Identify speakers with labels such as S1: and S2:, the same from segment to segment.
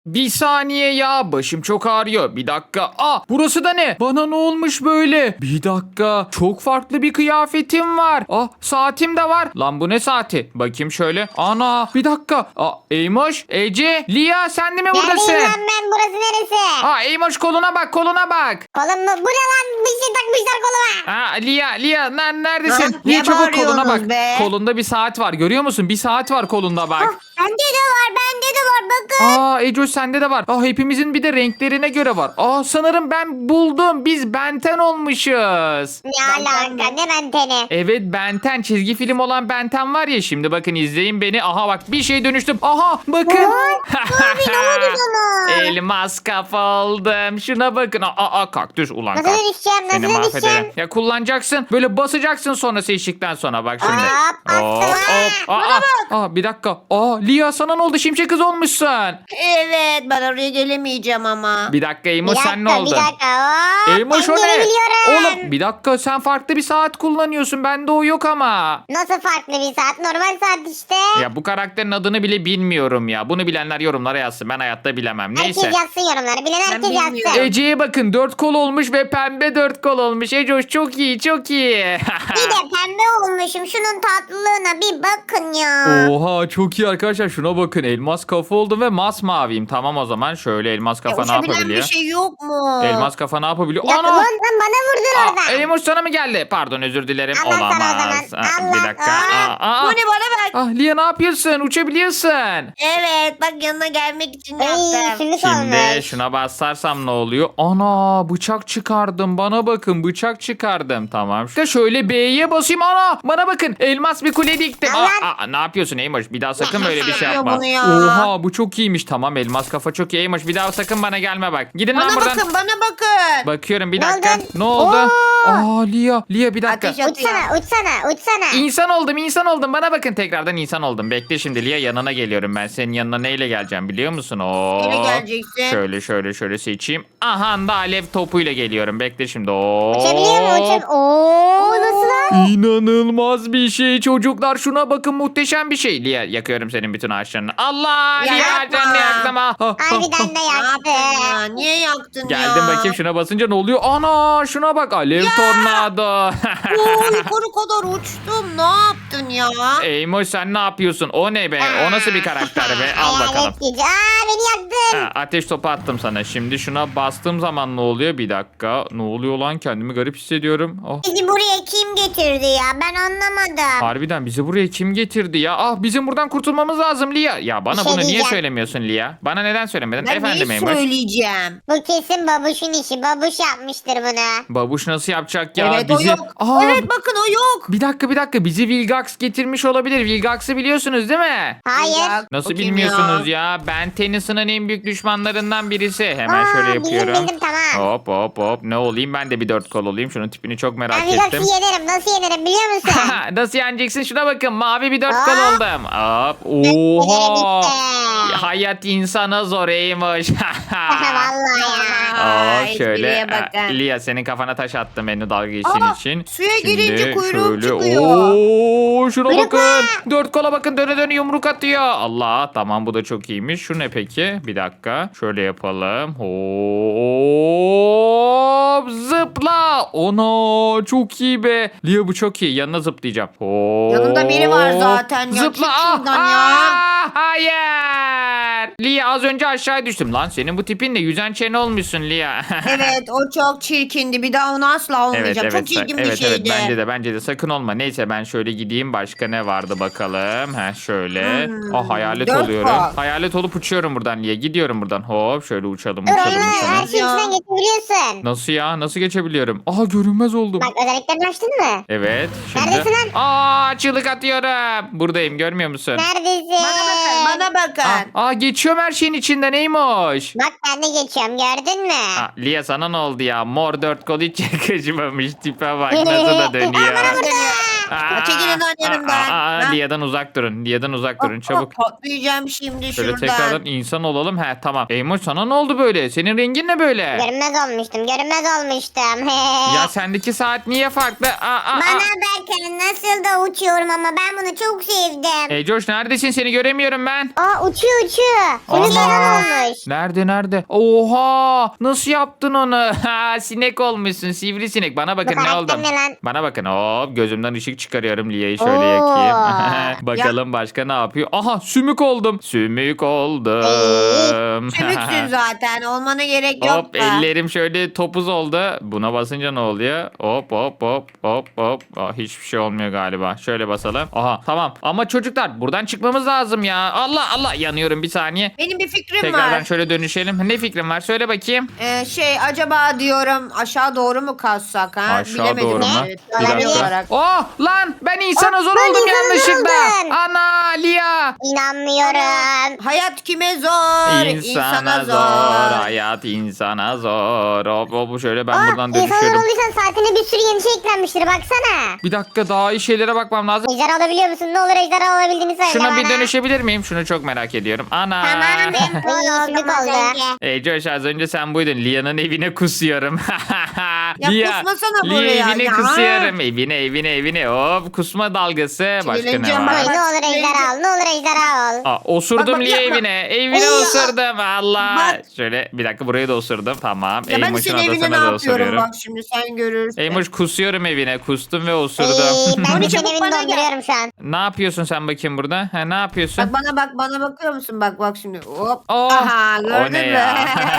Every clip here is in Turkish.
S1: Bir saniye ya, başım çok ağrıyor. Bir dakika. Burası da ne? Bana ne olmuş böyle? Bir dakika. Çok farklı bir kıyafetim var. Saatim de var. Lan bu ne saati? Bakayım şöyle. Ana bir dakika. Eymoş, Ece, Lia sen de mi buradasın?
S2: Neredeyim lan ben? Burası neresi?
S1: Eymoş koluna bak, koluna bak.
S2: Kolum mu? Bu ne lan? Bir şey takmışlar koluma.
S1: Lia neredesin?
S3: Ha,
S1: Lia
S3: ne
S1: çabuk koluna bak.
S3: bağırıyorsunuz be?
S1: Kolunda bir saat var. Görüyor musun? Bir saat var kolunda bak.
S2: Bende de var, bende de var. Bakın.
S1: Ecoş sende de var. Hepimizin bir de renklerine göre var. Sanırım ben buldum. Biz Benten olmuşuz.
S2: Ne alaka? Ne benteni?
S1: Evet, Benten, çizgi film olan Benten var ya, şimdi bakın izleyin beni. Bak bir şey dönüştüm. Bakın.
S2: Ne oldu sana?
S1: Elmas kafa oldum. Şuna bakın. Kaktüs ulan
S2: Nasıl
S1: kaktüs.
S2: dönüşeceğim?
S1: Seni
S2: Nasıl
S1: mahvederim.
S2: dönüşeceğim?
S1: Ya kullanacaksın. Böyle basacaksın sonra seçtikten sonra bak şimdi. Bir dakika. Lia sana ne oldu? Şimşek kız olmuşsun.
S3: Evet, ben oraya gelemeyeceğim ama.
S1: Bir dakika Emo,
S2: Bir
S1: sen ne
S2: dakika,
S1: oldu?
S2: bir dakika. Hop,
S1: Eymoş
S2: ben
S1: o ne?
S2: gelebiliyorum.
S1: Oğlum bir dakika, sen farklı bir saat kullanıyorsun. Bende o yok ama.
S2: Nasıl farklı bir saat? Normal saat işte.
S1: Ya bu karakterin adını bile bilmiyorum ya. Bunu bilenler yorumlara yazsın. Ben hayatta bilemem.
S2: Herkes
S1: Neyse.
S2: yazsın yorumları. Bilen herkes
S3: bilmiyorum.
S2: yazsın.
S1: Ece'ye bakın, 4 kol olmuş ve pembe 4 kol olmuş. Ece çok iyi, çok iyi.
S2: Bir de pembe olmuşum. Şunun tatlılığına bir bakın ya.
S1: Oha çok iyi arkadaşlar, şuna bakın, elmas kafa oldum ve masmaviyim. Tamam o zaman şöyle elmas kafa ne
S3: Uçabilen
S1: yapabiliyor?
S3: bir şey yok mu?
S1: Elmas kafa ne yapabiliyor?
S2: Bir dakika,
S1: Ana!
S2: lan bana vurdun oradan.
S1: Eymoş sana mı geldi? Pardon, özür dilerim.
S2: Allah sana o
S1: Olamaz.
S2: zaman.
S1: Bir
S2: Allah.
S1: dakika.
S3: Bu ne, bana bak.
S1: Lia ne yapıyorsun? Uçabiliyorsun.
S3: Evet, bak yanına gelmek için
S2: Ay,
S3: yaptım.
S2: sümük
S1: Şimdi
S2: olmuş.
S1: şuna basarsam ne oluyor? Ana bıçak çıkardım. Bana bakın, bıçak çıkardım. Tamam. İşte şöyle B'ye basayım. Ana bana bakın. Elmas bir kule diktim. Ne yapıyorsun Eymoş? Bir daha sakın böyle bir şey
S3: Yapıyor
S1: yapma.
S3: bunu ya.
S1: Oha bu çok iyiymiş. Tamam, elmas kafa çok iyi Eymoş. Bir daha sakın bana gelme bak. Gidin lan
S3: Bana
S1: buradan.
S3: bakın, bana bakın.
S1: Bakıyorum bir
S2: Ne
S1: dakika.
S2: oldu?
S1: Ne oldu?
S2: Oo.
S1: Lia bir dakika.
S3: Ateş atıyor.
S2: Uçsana.
S1: İnsan oldum. Bana bakın, tekrardan insan oldum. Bekle şimdi Lia, yanına geliyorum ben. Senin yanına neyle geleceğim biliyor musun?
S3: Neyle geleceksin?
S1: Şöyle seçeyim. Aha da alev topuyla geliyorum. Bekle şimdi.
S2: Uçabiliyor mu? Nasıl lan?
S1: İnanılmaz bir şey çocuklar. Şuna bakın, muhteşem bir şey. Lia yakıyorum senin bütün ağaçlarını. Allah!
S3: Ya
S1: Lia
S3: yapma.
S1: ağaçlarını yaktım.
S2: Harbiden de
S3: Ne yaptın
S2: yaktı.
S3: ya? Niye yaktın ya?
S1: Geldim bakayım, şuna basınca ne oluyor? Ana şuna bak, alev tornado.
S3: Oo, yukarı kadar uçtum. Ne yaptın ya?
S1: Eymoş sen ne yapıyorsun? O ne be? O nasıl bir karakter be? Al bakalım.
S2: Hayalet gücü. Beni yaktın.
S1: Ateş topu attım sana. Şimdi şuna bastığım zaman ne oluyor? Bir dakika. Ne oluyor lan? Kendimi garip hissediyorum.
S2: Bizi buraya kim getirdi ya? Ben anlamadım.
S1: Harbiden bizi buraya kim getirdi ya? Bizim buradan kurtulmamız lazım Lia. Ya bana
S2: Bir şey
S1: bunu niye
S2: diyeceğim.
S1: söylemiyorsun Lia? Bana neden söylemedin?
S3: Ben
S1: Efendim
S3: neyi
S1: Eymoş.
S3: söyleyeceğim?
S2: Bu kesin babuşun işi. Babuş yapmıştır bunu.
S1: Babuş nasıl yapacak ya?
S3: Evet, o yok. Evet, bakın o yok.
S1: Bir dakika. Bizi Vilgax getirmiş olabilir. Vilgax'ı biliyorsunuz değil mi?
S2: Hayır.
S1: Nasıl
S3: O kim
S1: bilmiyorsunuz ya? Ben Tennyson'ın en büyük düşmanlarından birisi. Hemen şöyle yapıyorum.
S2: Bildim tamam.
S1: Hop. Ne olayım? Ben de bir 4 kol olayım. Şunun tipini çok merak
S2: Ben
S1: ettim.
S2: Vigax'ı yenerim. Nasıl yenerim biliyor musun?
S1: Nasıl yeneceksin? Şuna bakın. Mavi bir 4 kol
S2: Aa.
S1: oldum. Hop.
S2: Nereye
S1: Oha.
S2: bitti?
S1: Hayat insana zoreymiş.
S2: Vallahi ya.
S1: Hop şöyle.
S3: espriye bakın.
S1: Lia senin kafana taş attım beni dalga geçtiğin için.
S3: Suya
S1: Şimdi
S3: girince kuyruğum
S1: şöyle.
S3: çıkıyor.
S1: Oo, şuna
S2: Kuyruk
S1: bakın. 4 kola bakın, döne yumruk atıyor. Allah, tamam bu da çok iyiymiş. Şu ne peki? Bir dakika. Şöyle yapalım. Hop zıpla. Ona çok iyi be. Lia bu çok iyi. Yanına zıplayacağım. Hop.
S3: Yanında biri var zaten ya.
S1: Zıpla.
S3: Çık şuradan ya.
S1: Hayır. Lia az önce aşağı düştüm. Lan senin bu tipinle yüzen çene olmuşsun Lia.
S3: Evet, o çok çirkindi. Bir daha onu asla olmayacak. Çok çirkin bir şeydi.
S1: bence de sakın olma. Neyse ben şöyle gideyim, başka ne vardı bakalım. Şöyle. Hayalet
S3: 4
S1: oluyorum.
S3: kol.
S1: Hayalet olup uçuyorum buradan Lia. Gidiyorum buradan. Hop şöyle uçalım.
S2: Dur oğlum her
S3: uçalım.
S2: şeyi içinden geçebiliyorsun.
S1: Nasıl ya? Nasıl geçebiliyorum? Görünmez oldum.
S2: Bak özelliklerini açtın mı?
S1: Evet. Şimdi.
S2: Neredesin lan?
S1: Çığlık atıyorum. Buradayım, görmüyor musun?
S2: Neredesin?
S3: Bana bakın.
S1: Geçiyorum her şeyin içinde, neymiş?
S2: Bak ben de geçiyorum gördün mü?
S1: Lia sana ne oldu ya? Mor 4 kol hiç yakışmamış. Tipe bak nasıl da dönüyor.
S2: Bana vurdu.
S3: Çekilin lan yanımdan. Ha?
S1: Lia'dan uzak durun. Lia'dan uzak durun çabuk.
S3: Patlayacağım şimdi
S1: Şöyle
S3: şuradan.
S1: tekrardan insan olalım. He tamam. Eymoş sana ne oldu böyle? Senin rengin ne böyle?
S2: Görünmez olmuştum. Görünmez olmuştum.
S1: Ya sendeki saat niye farklı?
S2: Bana bakın nasıl da uçuyorum ama ben bunu çok sevdim.
S1: Eycoş neredesin? Seni göremiyorum ben.
S2: Uçuyor.
S1: Ana.
S2: Bunu neden olmuş?
S1: Nerede? Oha! Nasıl yaptın onu? Ha, sinek olmuşsun. Sivrisinek. Bana bakın
S2: Bu
S1: ne
S2: karakter
S1: oldum.
S2: ne lan?
S1: Bana bakın. Hop gözümden ışık çıkarıyorum. Lia'yı şöyle
S2: Oo.
S1: yakayım. Bakalım başka ne yapıyor? Aha sümük oldum. Sümük oldum.
S3: Sümüksün zaten. Olmana gerek yok
S1: Hop
S3: da.
S1: ellerim şöyle topuz oldu. Buna basınca ne oluyor? Hop. Hiçbir şey olmuyor galiba. Şöyle basalım. Aha tamam. Ama çocuklar buradan çıkmamız lazım ya. Allah yanıyorum bir saniye.
S3: Benim bir fikrim
S1: Tekrardan
S3: var.
S1: şöyle dönüşelim. Ne fikrin var? Söyle bakayım.
S3: Acaba diyorum aşağı doğru mu kazsak ha?
S1: Aşağı
S3: Bilemedim.
S1: doğru mu?
S3: Evet,
S1: Bir
S3: olabilir
S1: dakika.
S3: olarak.
S1: Oh lan ben insana zor
S2: ben
S1: oldum
S2: insana zor
S1: yanlışlıkla.
S2: oldum.
S1: Ana Lia.
S2: İnanmıyorum.
S3: Hayat kime zor?
S1: İnsana zor. Hayat insana zor. Hop şöyle ben buradan
S2: İnsanlar
S1: dönüşüyorum.
S2: olduysan saatine bir sürü yeni şey eklenmiştir baksana.
S1: Bir dakika daha iyi şeylere bakmam lazım.
S2: Ejderha alabiliyor musun? Ne olur ejderha alabildiğini söyle
S1: Şuna
S2: bana.
S1: bir dönüşebilir miyim? Şunu çok merak ediyorum. Ana.
S2: Tamam ben sümük oldu.
S1: Josh az önce sen buydun. Lia'nın evine kusuyorum.
S3: Ya kusmasana
S1: Lia
S3: buraya
S1: evine
S3: ya.
S1: kusuyorum. Evine. Hop kusma dalgası. Başka ne
S3: Sinirleneceğim
S1: var?
S3: bak.
S2: Ne olur ejderha al. Ne olur ejderha al.
S1: Osurdum
S3: Bak,
S1: Lia
S3: yapma.
S1: evine. Evine
S3: Ay,
S1: osurdum. Allah.
S3: Bak.
S1: Şöyle bir dakika burayı da osurdum. Tamam.
S3: Ya ben
S1: Eymoş'un
S3: senin evine ne
S1: odasına da
S3: yapıyorum
S1: osuruyorum.
S3: bak şimdi sen görürsün.
S1: Eymoş kusuyorum evine. Kustum ve osurdum.
S2: Ben de
S3: Moni,
S2: senin
S3: çabuk
S2: evini
S3: bana gel.
S2: dolduruyorum şu an.
S1: Ne yapıyorsun sen bakayım burada? Ha, ne yapıyorsun?
S3: Bak bana bakıyor musun? Bak şimdi. Hop.
S1: Oh,
S3: Aha
S1: o
S3: gördün
S1: ne
S3: mü?
S1: ya?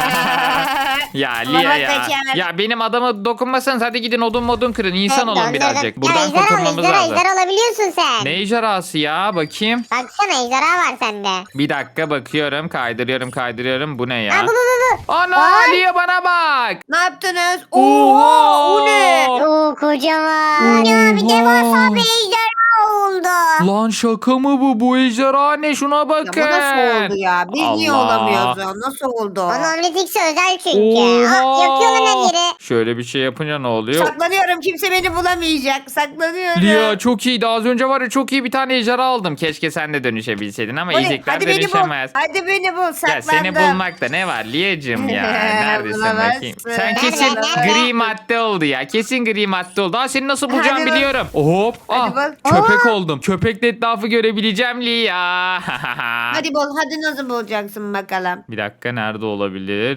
S1: Ya
S3: Baba
S1: Lia ya.
S3: kaçar.
S1: Ya benim adama dokunmasanız hadi gidin odun kırın. İnsan olun
S2: Döndürdüm.
S1: birazcık.
S2: Ya
S1: Buradan
S2: ejderha al,
S1: kurtulmamız lazım.
S2: ejderha alabiliyorsun sen.
S1: Ne ejderhası ya? Bakayım.
S2: Baksana ejderha var sende.
S1: Bir dakika bakıyorum. Kaydırıyorum. Bu ne ya?
S2: Bu.
S1: Ana
S2: Bak.
S1: Lia bana bak.
S3: Ne yaptınız?
S1: Oha!
S3: Oha o ne?
S2: Kocaman. Ya bir devasa bir ejderha oldu.
S1: Lan şaka mı bu? Bu ejderha ne? Şuna
S3: Ya
S1: bakın.
S3: bu nasıl oldu ya? Biz niye
S1: Allah.
S3: olamıyoruz ya? Nasıl oldu?
S2: Onun Omnitrix'i özel çünkü. Yakıyorlar her yeri.
S1: Şöyle bir şey yapınca ne oluyor?
S3: Saklanıyorum kimse beni bulamayacak. Saklanıyorum.
S1: Lia çok iyiydi. Az önce var ya çok iyi bir tane ejderha aldım. Keşke sen de dönüşebilseydin ama
S3: Hadi,
S1: ezikler
S3: hadi beni bul.
S1: dönüşemez.
S3: Hadi beni bul.
S1: Ya
S3: Saklandım.
S1: seni bulmakta ne var Lia'cığım ya? Neredesin
S3: Bulamazsın.
S1: bakayım? Sen kesin
S2: Nerede?
S1: gri madde oldu ya. Kesin gri madde oldu. Aa seni nasıl bulacağım
S3: Hadi bak.
S1: biliyorum. Hop.
S3: Hadi bak.
S1: Köpek oldum. Köpekle etrafı görebileceğim Lia.
S3: Hadi bul. Hadi nasıl bulacaksın bakalım.
S1: Bir dakika nerede olabilir?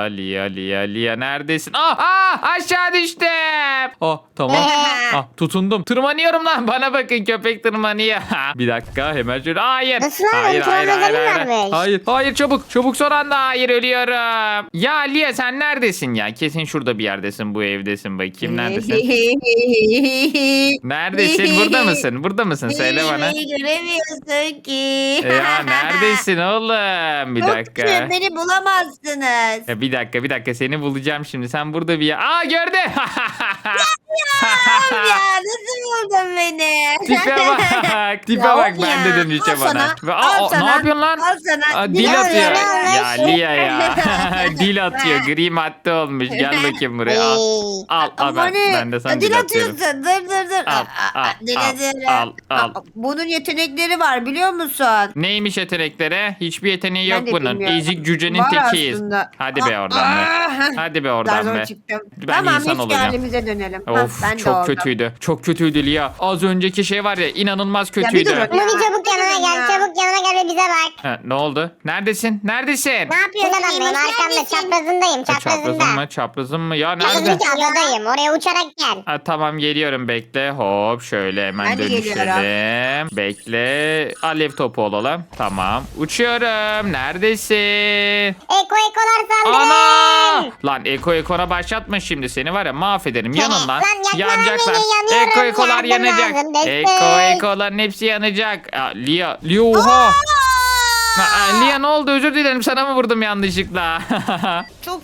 S1: Lia neredesin? Aşağı düştüm. Tamam. Tutundum. Tırmanıyorum lan. Bana bakın köpek tırmanıyor. Bir dakika hemen şöyle. Hayır.
S2: Nasıl lan?
S1: Hayır.
S2: Tırmanma özelliği varmış.
S1: Hayır çabuk son anda. Hayır ölüyorum. Ya Lia sen neredesin ya? Kesin şurada bir yerdesin. Bu evdesin bakayım. Neredesin? Neredesin? Burada mısın? Söyle bana.
S3: Beni göremiyorsun ki.
S1: Ya neredesin oğlum? Bir dakika.
S3: Yoksa beni bulamazsınız.
S1: Ya bir dakika seni bulacağım şimdi. Sen burada bir yer. Gördü.
S3: Ya nasıl buldun beni?
S1: Tipe
S3: Ya
S1: bak
S3: of
S1: ben de
S3: ya.
S1: dönüşeceğim
S3: Al sana,
S1: bana.
S3: al
S1: Ne
S3: sana,
S1: yapıyorsun lan?
S3: al sana.
S1: Dil
S3: Ne
S1: atıyor.
S3: oluyor, ne
S1: Ya
S3: oluyor?
S1: Lia ya. Dil atıyor. Gri madde olmuş. Gel bakayım buraya. Al ben de sana
S3: dil
S1: dil atıyorum.
S3: atıyorsun. Dur.
S1: Al.
S3: Bunun yetenekleri var biliyor musun?
S1: Neymiş yetenekleri? Hiçbir yeteneği
S3: Ben
S1: yok
S3: de
S1: bunun.
S3: bilmiyorum.
S1: Ezik cücenin
S3: Var
S1: tekiyiz.
S3: aslında.
S1: Hadi be oradan be. Hadi be oradan
S3: Zar
S1: be.
S3: çıktım.
S1: Ben
S3: Tamam
S1: insan
S3: eski
S1: olacağım.
S3: halimize dönelim.
S1: Of
S3: Ben de
S1: çok
S3: oldum.
S1: kötüydü. Çok kötüydü Lia. Az önceki şey var ya inanılmaz
S3: bir
S1: kötüydü.
S3: durun.
S2: Moni çabuk yanıma gel. Çabuk yanıma gel ve bize bak.
S1: Ha, ne oldu? Neredesin?
S2: Ne yapıyorsun ben benim arkamda çaprazındayım
S1: Çaprazın
S2: çaprazında.
S1: mı? Çaprazın mı? Ya
S2: Çaprazın
S1: nerede?
S2: adadayım. Oraya uçarak gel.
S1: Ha, tamam geliyorum bekle. Hop şöyle hemen
S3: Ben de
S1: dönüşelim. Bekle. Alev topu olalım. Tamam. Uçuyorum. Neredesin?
S2: Ekolar saldırın.
S1: Ana! Lan Eko'na başlatma şimdi seni var ya mahvederim. Yanın lan.
S2: Lan yakma
S1: Yanacaklar.
S2: beni, yanıyorum.
S1: Eko'lar
S2: Yardım
S1: yanacak.
S2: lazım, destek.
S1: Eko'ların hepsi yanacak. Lia oha. Lia ne oldu? Özür dilerim sana mı vurdum yanlışlıkla?
S3: Çok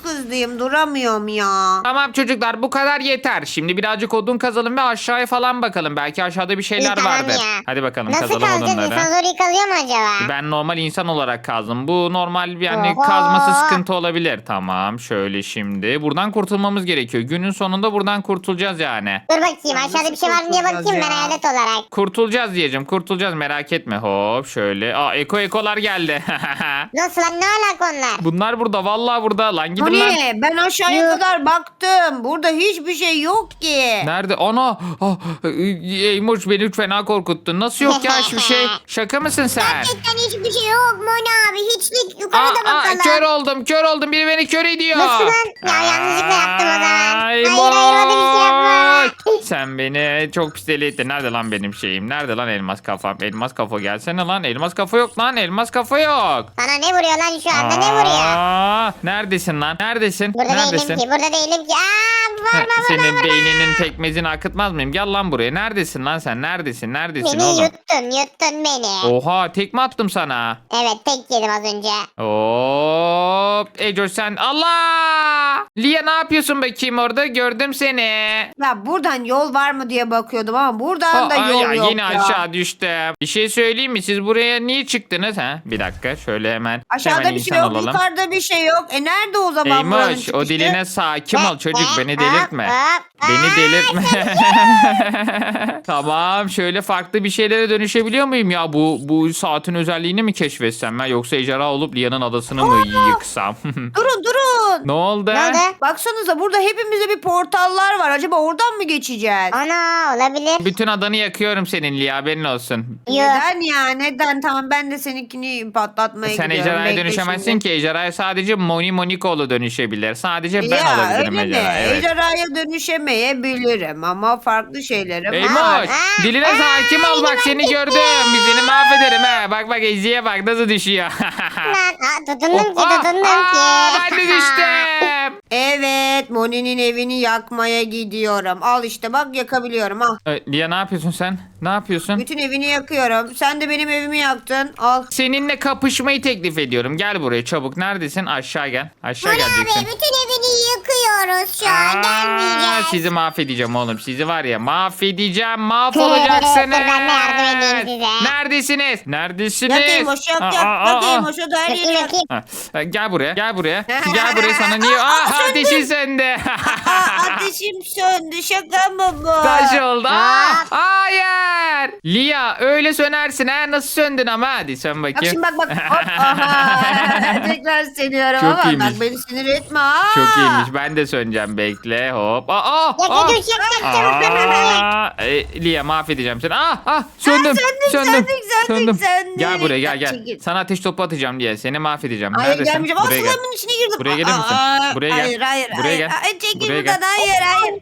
S3: hızlıyım. Duramıyorum ya.
S1: Tamam çocuklar bu kadar yeter. Şimdi birazcık odun kazalım ve aşağıya falan bakalım. Belki aşağıda bir şeyler
S2: Tamam
S1: vardır.
S2: ya.
S1: Hadi bakalım
S2: Nasıl
S1: kazalım
S2: kazacağız?
S1: odunları.
S2: İnsan zor kazıyor mu acaba?
S1: Ben normal insan olarak kazdım. Bu normal yani
S2: Oha.
S1: kazması sıkıntı olabilir. Tamam şöyle şimdi. Buradan kurtulmamız gerekiyor. Günün sonunda buradan kurtulacağız yani.
S2: Dur bakayım aşağıda bir şey var mı diye bakayım ben
S3: Ya.
S2: hayalet olarak.
S1: Kurtulacağız diyeceğim. Kurtulacağız merak etme. Hop şöyle. Aa ekolar geldi.
S2: Nasıl lan ne alaka onlar?
S1: Bunlar burada. Vallahi burada. Lan gidin
S3: Bu
S1: lan.
S3: ne? Ben aşağıya
S2: Yuh.
S3: kadar baktım. Burada hiçbir şey yok ki.
S1: Nerede? Ana! Ah, Eymoş beni fena korkuttun. Nasıl yok ya hiçbir şey? Şaka mısın sen?
S2: Gerçekten hiçbir şey yok Moni abi. Hiçlik yukarıda bakalım.
S1: Kör oldum kör oldum. Biri beni kör ediyor.
S2: Nasıl lan? Ya yanlışlıkla yaptım o zaman. Hayır
S1: Eymoş!
S2: hayır öyle bir şey yapma.
S1: Sen beni çok pis deli ettin. Nerede lan benim şeyim? Nerede lan elmas kafam? Elmas kafa gelsene lan. Elmas kafa yok lan. Elmas kafa yok.
S2: Sana ne vuruyor lan şu anda ne vuruyor?
S1: Neredesin lan? Neredesin?
S2: Burada
S1: Neredesin?
S2: değilim ki burada değilim ki. Aa var
S1: Senin beyninin pekmezini akıtmaz mıyım? Gel lan buraya. Neredesin lan sen? Neredesin? Neredesin
S2: Beni
S1: oğlum?
S2: yuttun beni.
S1: Oha tekme attım sana.
S2: Evet tek yedim az önce.
S1: Hop. Ecoş sen. Allah! Lia ne yapıyorsun bakayım orada? Gördüm seni.
S3: Ya buradan yol var mı diye bakıyordum ama buradan da
S1: Aa,
S3: yol
S1: ya,
S3: yok
S1: yine
S3: ya.
S1: aşağı düştüm. Bir şey söyleyeyim mi? Siz buraya niye çıktınız? Ha? Bir dakika şöyle hemen.
S3: Aşağıda
S1: hemen
S3: bir şey
S1: insan
S3: yok,
S1: olalım.
S3: yukarıda bir şey yok. Nerede o zaman buranın
S1: Eymoş
S3: çıkışı?
S1: o diline sakin ol çocuk beni delirtme.
S2: Hop,
S1: Beni delirtme. Tamam şöyle farklı bir şeylere dönüşebiliyor muyum ya? Bu saatin özelliğini mi keşfetsem ben yoksa ejderha olup Lia'nın adasını mı yıksam?
S3: Durun.
S1: Ne oldu?
S2: Ne oldu?
S3: Baksanıza burada hepimizde bir portallar var. Acaba oradan mı geçeceğiz?
S2: Ana olabilir.
S1: Bütün adanı yakıyorum senin Lia haberin olsun.
S2: Yok.
S3: Neden ya? Neden? Tamam ben de seninkini patlatmaya
S1: Sen
S3: gidiyorum.
S1: ejderhaya
S3: Bekle
S1: dönüşemezsin
S3: şimdi.
S1: ki. Ejderhaya sadece Monikoğlu dönüşebilir. Sadece ben
S3: Ya
S1: olabilirim
S3: öyle mi?
S1: ejderha. Evet.
S3: Ejderhaya dönüşemeyebilirim ama farklı şeylerim var.
S1: Eymoş diline hakim ol bak seni gördüm. Bir seni mahvederim ha. Bak Ezi'ye bak nasıl düşüyor.
S2: Lan tutundum ki tutundum ki.
S1: Ben de düştüm.
S3: Evet Moni'nin evini yakmaya gidiyorum. Al işte bak yakabiliyorum al.
S1: Lia ne yapıyorsun sen? Ne yapıyorsun?
S3: Bütün evini yakıyorum. Sen de benim evimi yaktın. Al.
S1: Seninle kapışmayı teklif ediyorum. Gel buraya çabuk. Neredesin? Aşağı gel. Aşağı
S2: Moni abi
S1: geleceksin.
S2: bütün evini yıkıyoruz şu an gelmeyeceğiz.
S1: Sizi mahvedeceğim oğlum. Sizi var ya mahvedeceğim. Mahvolacaksınız.
S2: Dur, ben de yardım edeyim size.
S1: Neredesiniz? Neredesiniz?
S3: Yakayım hoş yak yak. Yakayım hoş o da her yeri
S2: Bakayım
S3: yak.
S2: bakayım.
S1: Ha, gel buraya. Gel buraya. Gel buraya sana niye? Aa ateşin sende.
S3: Ateşim söndü şaka mı bu?
S1: Taş oldu.
S2: Aa.
S1: Hayır. Lia öyle sönersin ha. Nasıl söndün ama? Hadi sön
S3: Bak
S1: bakayım.
S3: şimdi bak. Hop, aha. Tekrar seniyorum
S1: Çok
S3: ama
S1: iyiymiş.
S3: bak beni sinir etme ha.
S1: Çok iyiymiş. Ben de söneceğim. Bekle. Hop.
S2: Yak çabuk.
S1: Lia mahvedeceğim seni. Söndüm.
S3: söndük.
S1: Gel buraya gel.
S3: Çekil.
S1: Sana ateş topu atacağım diye. Seni mahvedeceğim.
S3: Hayır
S1: Neredesin?
S3: gelmeyeceğim. Aa
S1: Buraya gel.
S3: slime'ın içine girdim.
S1: Buraya gelir misin? Buraya gel.
S3: Hayır.
S1: Buraya gel.
S3: Ay, çekil
S1: Buraya
S3: buradan.
S1: gel.
S3: Hayır.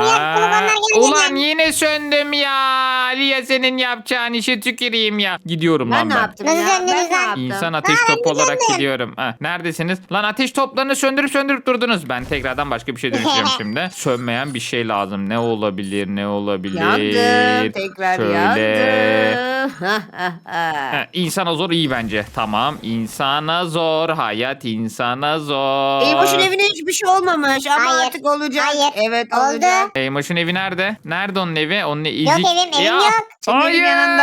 S1: Ulan yine söndüm ya. Lia senin yapacağın işi tüküreyim ya. Gidiyorum
S3: Ben
S1: lan
S3: ne
S1: ben.
S3: yaptım
S2: Nasıl
S3: ya?
S2: söndünüz
S3: Ben ne
S2: lan?
S3: yaptım?
S1: İnsan ateş topu olarak gidiyorum. Neredesiniz? Lan ateş toplarını söndürüp durdunuz. Ben tekrardan başka bir şey dönüşeceğim şimdi. Sönmeyen bir şey lazım. Ne olabilir?
S3: Yandım. Tekrar
S1: Şöyle.
S3: yandım.
S1: İnsana zor iyi bence. Tamam. İnsana zor. Hayat insana zor.
S3: Eymoş'un evine hiçbir şey olmamış ama
S2: Hayır.
S3: artık olacak.
S2: Hayır.
S3: Evet
S2: Oldu.
S3: olacak.
S1: Eymoş'un evi nerede? Nerede onun evi? Onun evi
S2: Yok evim yok.
S3: Senin evin yanında.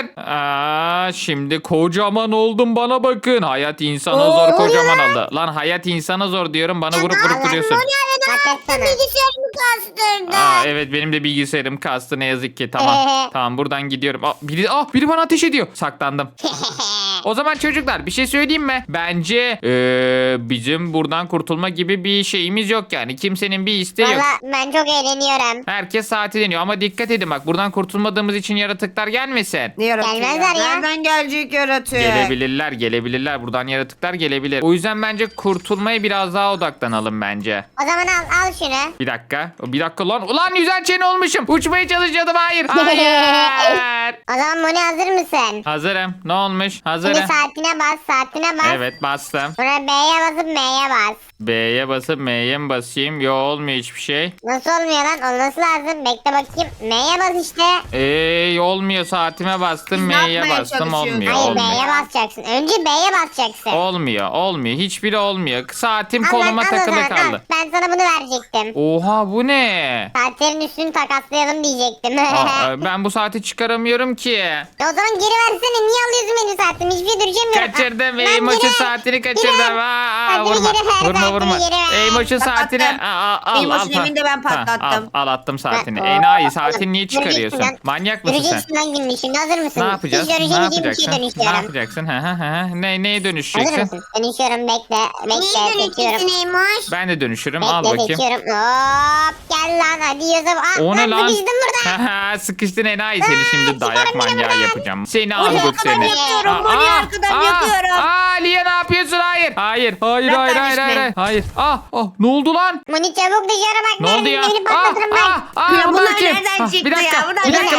S1: Şimdi kocaman oldum bana bakın. Hayat insana
S3: Oo,
S1: zor kocaman oldu. Lan hayat insana zor diyorum bana vurup duruyorsun.
S2: Bilgisayarımı kastırdı.
S1: Evet benim de bilgisayarım kastı ne yazık ki. Tamam. Tamam buradan gidiyorum. Biri bana ateş ediyor. Saklandım. O zaman çocuklar bir şey söyleyeyim mi? Bence bizim buradan kurtulma gibi bir şeyimiz yok yani. Kimsenin bir isteği yok.
S2: Valla ben çok eğleniyorum.
S1: Herkes saati deniyor ama dikkat edin bak buradan kurtulmadığımız için yaratıklar gelmesin.
S3: Ne yaratıyor
S2: Gelmezler ya.
S3: Nereden gelecek yaratık?
S1: Gelebilirler. Buradan yaratıklar gelebilir. O yüzden bence kurtulmaya biraz daha odaklanalım bence.
S2: O zaman al şunu.
S1: Bir dakika lan. Ulan yüzen çene olmuşum. Uçmaya çalışıyordum. Hayır.
S2: O zaman Moni hazır mısın?
S1: Hazırım. Ne olmuş? Hazırım.
S2: Şimdi saatine bas, saatine bas.
S1: Evet bastım.
S2: Sonra B'ye basıp M'ye bas.
S1: B'ye basıp M'ye mi basayım? Yo olmuyor hiçbir şey.
S2: Nasıl olmuyor lan? Olması lazım. Bekle bakayım. M'ye bas işte.
S1: Olmuyor saatime bastım
S3: Siz ne
S1: M'ye
S3: yapmaya
S1: bastım
S3: çalışıyorsunuz?
S1: olmuyor.
S2: Hayır
S1: Olmuyor.
S2: B'ye basacaksın. Önce B'ye basacaksın.
S1: Olmuyor. Hiçbiri olmuyor. Saatim
S2: Al
S1: koluma
S2: lan, al o
S1: takılı
S2: zaman, al.
S1: kaldı.
S2: Ben sana bunu verecektim.
S1: Oha bu ne?
S2: Saatlerin üstünü takaslayalım diyecektim.
S1: Ben bu saati çıkaramıyorum ki.
S2: O zaman geri versene. Niye alıyorsun benim saatimi? Hiçbir şey düşemiyorum.
S1: Kaçırdım.
S2: Lan
S1: Eymoş'un
S2: geri ver.
S1: saatini
S2: Geri
S1: kaçırdım.
S2: ver. Saatimi
S1: Vurma.
S2: geri ver,
S1: Vurma
S2: saatimi
S1: vurma.
S2: geri ver.
S1: Eymoş'un saatini
S3: Patlattım. Eymoş'un evinde ben patlattım.
S1: Al attım saatini.
S2: Ha,
S1: Enayi
S2: oğlum,
S1: saatini niye çıkarıyorsun?
S2: göreceksin lan.
S1: Manyak mısın sen?
S2: Göreceksin lan gününü şimdi. Hazır mısın?
S1: Ne yapacağız?
S2: Hiç
S1: Ne
S2: dönüşemeyeceğim bir şeye
S1: yapacaksın? Ne
S2: dönüşüyorum.
S1: yapacaksın? Neye
S2: Hazır
S1: dönüşeceksin?
S2: mısın? Dönüşüyorum bekle. Bekle seçiyorum.
S3: Eymoş?
S1: Ben de dönüşürüm. Al
S2: Bekle
S1: bakayım.
S2: seçiyorum. Hop gel lan hadi Yusuf. Ah,
S1: O ne lan?
S2: Sıkıştım burada.
S1: Sıkıştın enayi seni şimdi dayak
S2: çıkarın beni
S1: manyağı
S2: buradan.
S1: yapacağım. Seni
S3: Oraya
S1: Angut
S3: kadar
S1: seni.
S3: yakıyorum. Oraya kadar yakıyorum.
S1: Lia ne yapıyorsun? Hayır. Hayır.
S3: Ben karışmayayım.
S1: Hayır. Ne oldu lan?
S2: Moni çabuk dışarı bak.
S1: Ne oldu ya?
S2: Beni patlatırım bak.
S3: Ya
S1: bunlar
S3: bunlar
S1: kim?
S3: nereden çıktı
S1: Bir dakika.
S3: ya? Bunlar
S1: Bir dakika.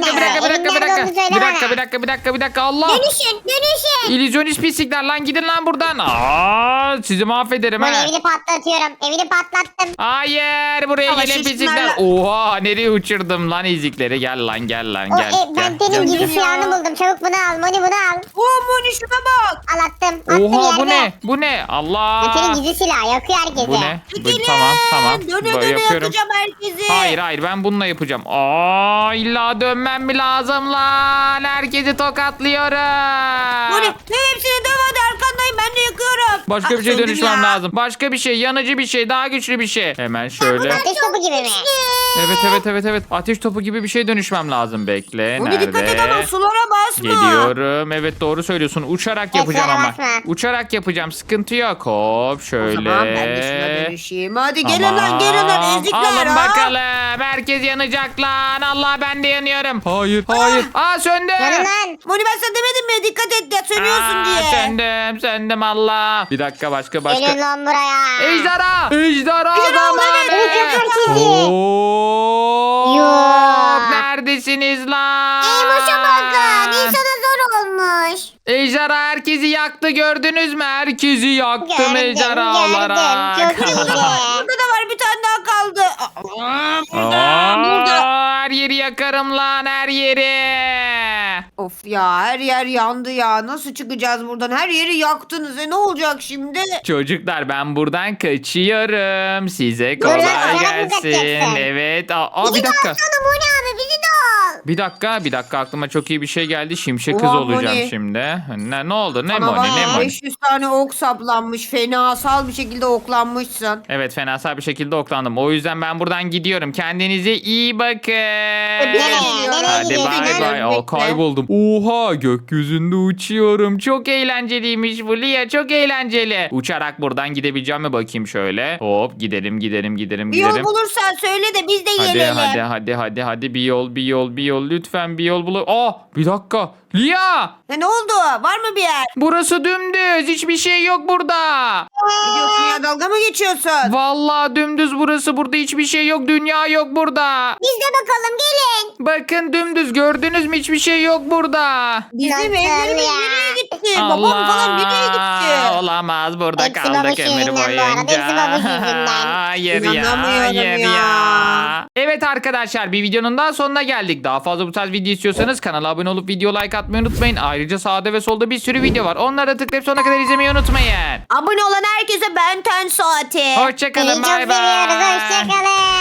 S2: Dönüşün.
S1: İllüzyonist pislikler lan gidin lan buradan. Sizi mahvederim
S2: Moni
S1: ha.
S2: evini patlatıyorum. Evini patlattım.
S1: Hayır buraya
S3: Ama
S1: gelin pislikler.
S3: şişmanlar-
S1: Oha nereye uçurdum lan ezikleri. Gel lan gel.
S2: Ben senin gizli
S3: Gel.
S2: silahını buldum. Çabuk bunu al. Moni bunu al.
S3: Moni şuna bak.
S2: Al attım. Attım
S1: Oha bu
S2: yerde.
S1: ne? Bu ne?
S2: Ben
S1: Allah.
S2: senin gizli silahı yakıyor herkese.
S1: Bu ne?
S3: Çekilin.
S1: Tamam.
S3: Döne
S1: Böyle
S3: döne
S1: yapıyorum.
S3: yakacağım herkesi.
S1: Hayır ben bununla yapacağım. İlla dönmem mi lazım lan? Herkesi tokatlıyorum.
S3: Moni hepsini döv hadi arkandayım ben de yakıyorum.
S1: Başka bir şey
S3: söndüm
S1: dönüşmem
S3: ya.
S1: lazım. Başka bir şey, yanıcı bir şey, daha güçlü bir şey. Hemen şöyle.
S2: Ateş topu gibi mi?
S1: Evet. Ateş topu gibi bir şey dönüşmem lazım. Bekle.
S3: Moni dikkat et ama
S1: Nerede?
S3: sulara basma.
S1: Geliyorum. Evet doğru söylüyorsun. Uçarak yapacağım
S2: Ekstra
S1: ama.
S2: basma.
S1: Uçarak yapacağım. Sıkıntı yok. Hop
S3: O
S1: şöyle.
S3: zaman ben de şuna dönüşeyim. Hadi gelin
S1: Tamam.
S3: lan ezikler.
S1: Alın bakalım. Herkes yanacak lan. Allah ben de yanıyorum. Hayır. Söndü.
S2: Yanın lan.
S3: Moni ben sana demedim mi dikkat et ya sönüyorsun diye.
S1: Söndüm Allah. Bir dakika başka.
S2: Gelin lan buraya.
S1: Ejderha
S3: Ejderha,
S1: zamanı.
S3: evet.
S2: Yakar sizi.
S1: Hop.
S2: Yok.
S1: Neredesiniz lan?
S2: Boşa bakın. İnsana zor olmuş.
S1: Ejderha herkesi yaktı gördünüz mü? Herkesi yaktım
S2: Gördüm,
S1: ejderha olarak.
S2: gördüm. Çok iyi.
S3: Burada da var bir tane daha kaldı. Burada.
S1: Her yeri yakarım lan her yeri.
S3: Of ya her yer yandı ya. Nasıl çıkacağız buradan? Her yeri yaktınız. Ne olacak şimdi?
S1: Çocuklar ben buradan kaçıyorum. Size
S2: Buradan
S1: kolay
S2: uçarak mı
S1: gelsin.
S2: kaçacaksın?
S1: Evet.
S2: Bizi
S1: Bir
S2: de
S1: dakika.
S2: alsana Moni abi bizi de al.
S1: Bir dakika aklıma çok iyi bir şey geldi. Şimşek kız
S3: Oha,
S1: olacağım
S3: Moni.
S1: şimdi. Ne oldu? Ne
S3: Bana
S1: Moni?
S3: bak,
S1: Ne Moni?
S3: 500 tane ok saplanmış. Fenasal bir şekilde oklanmışsın.
S1: Evet fenasal bir şekilde oklandım. O yüzden ben buradan gidiyorum. Kendinize iyi bakın.
S2: Nereye
S1: Hadi
S2: gidiyorsun?
S1: bay bay.
S3: Bekle.
S1: Kayboldum. Oha gökyüzünde uçuyorum. Çok eğlenceliymiş bu Lia. Çok eğlenceli. Uçarak buradan gidebileceğim mi bakayım şöyle. Hop gidelim.
S3: Bir yol bulursan söyle de biz de gelelim.
S1: Hadi bir yol lütfen bir yol bul. Bir dakika. Lia
S3: Ne oldu? Var mı bir yer?
S1: burası dümdüz. Hiçbir şey yok burada.
S3: Ne diyorsun ya dalga mı geçiyorsun?
S1: Vallahi dümdüz burası. Burada hiçbir şey yok. Dünya yok burada.
S2: Biz de bakalım gelin.
S1: Bakın dümdüz gördünüz mü? Hiçbir şey yok burada.
S3: Bizim
S2: Nasıl
S3: evlerimiz
S2: ya?
S3: nereye gitti? Babam falan nereye gitti?
S1: Olamaz burada
S2: Hepsi
S1: kaldık
S2: babuş
S1: ömür
S2: yüzünden bu arada,
S1: boyunca.
S2: hepsi babuş yüzünden.
S1: Hayır ya.
S3: İnanamıyorum
S1: Hayır
S3: ya.
S1: ya. Evet arkadaşlar bir videonun daha sonuna geldik. Daha fazla bu tarz video istiyorsanız kanala abone olup video like atmayı unutmayın. Ayrıca sağda ve solda bir sürü video var. Onlara tıklayıp sonuna kadar izlemeyi unutmayın.
S3: Abone olan herkese benten saati.
S1: Hoşçakalın
S2: Seni çok
S1: bay bay.
S2: seviyoruz. Hoşçakalın.